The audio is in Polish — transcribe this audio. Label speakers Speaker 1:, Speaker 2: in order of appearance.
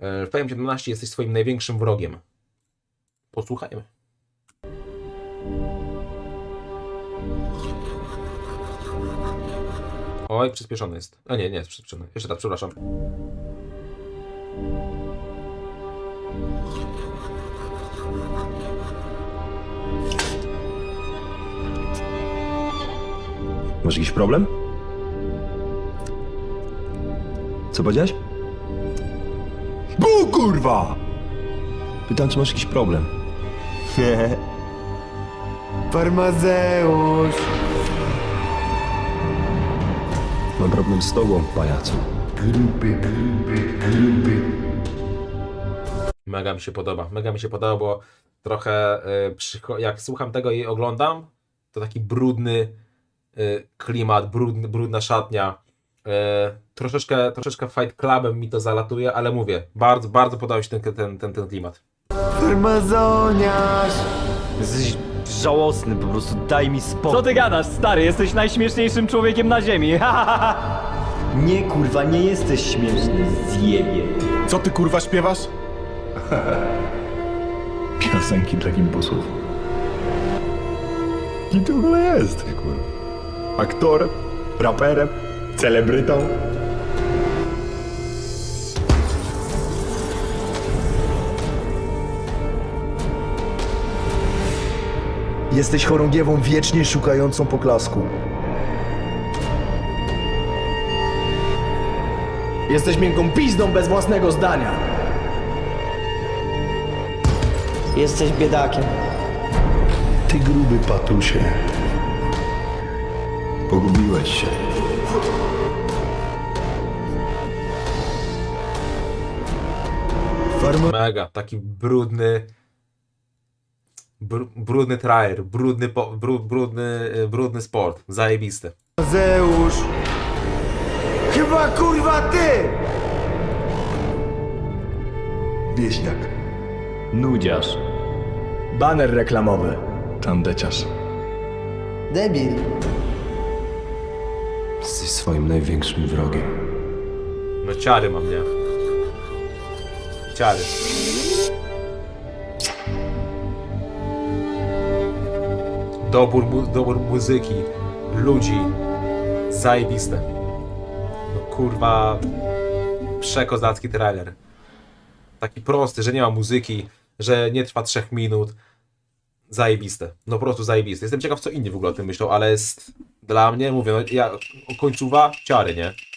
Speaker 1: Fame 17 jesteś swoim największym wrogiem. Posłuchajmy. Oj, przyspieszony jest. A nie, nie jest przyspieszony. Jeszcze raz, przepraszam.
Speaker 2: Masz jakiś problem? Co powiedziałeś? Bu, kurwa! Pytam, czy masz jakiś problem.
Speaker 3: Farmazeusz!
Speaker 2: Mam problem z tobą, pajacu.
Speaker 1: Mega mi się podoba. Mega mi się podoba, bo trochę jak słucham tego i oglądam, to taki brudny klimat, brudna szatnia. Troszeczkę Fight Clubem mi to zalatuje, ale mówię, bardzo, bardzo podoba mi się ten klimat.
Speaker 3: Farmazoniarz!
Speaker 4: Jesteś żałosny, po prostu daj mi spokój.
Speaker 5: Co ty gadasz, stary? Jesteś najśmieszniejszym człowiekiem na ziemi.
Speaker 4: Nie, kurwa, nie jesteś śmieszny, zjebie.
Speaker 6: Co ty kurwa śpiewasz?
Speaker 2: Piosenki dla gimbusów. Kim ty w ogóle jesteś, kurwa? Aktorem? Raperem? Celebrytą?
Speaker 3: Jesteś chorągiewą wiecznie szukającą poklasku. Jesteś miękką pizdą bez własnego zdania.
Speaker 7: Jesteś biedakiem.
Speaker 2: Ty gruby patusie. Pogubiłeś się.
Speaker 1: Mega, taki brudny trailer, brudny sport, zajebisty.
Speaker 3: Farmazeusz! Chyba kurwa ty!
Speaker 2: Wieśniak.
Speaker 4: Nudziarz.
Speaker 3: Baner reklamowy.
Speaker 2: Tandeciarz.
Speaker 7: Debil.
Speaker 2: Jesteś swoim największym wrogiem.
Speaker 1: No ciary mam, nie? Ciary. Dobór muzyki, ludzi, zajebiste. No kurwa, przekozacki trailer. Taki prosty, że nie ma muzyki, że nie trwa 3 minut. Zajebiste. No po prostu zajebiste. Jestem ciekaw, co inni w ogóle o tym myślą, ale jest dla mnie, mówię, no, końcówa, ciary, nie?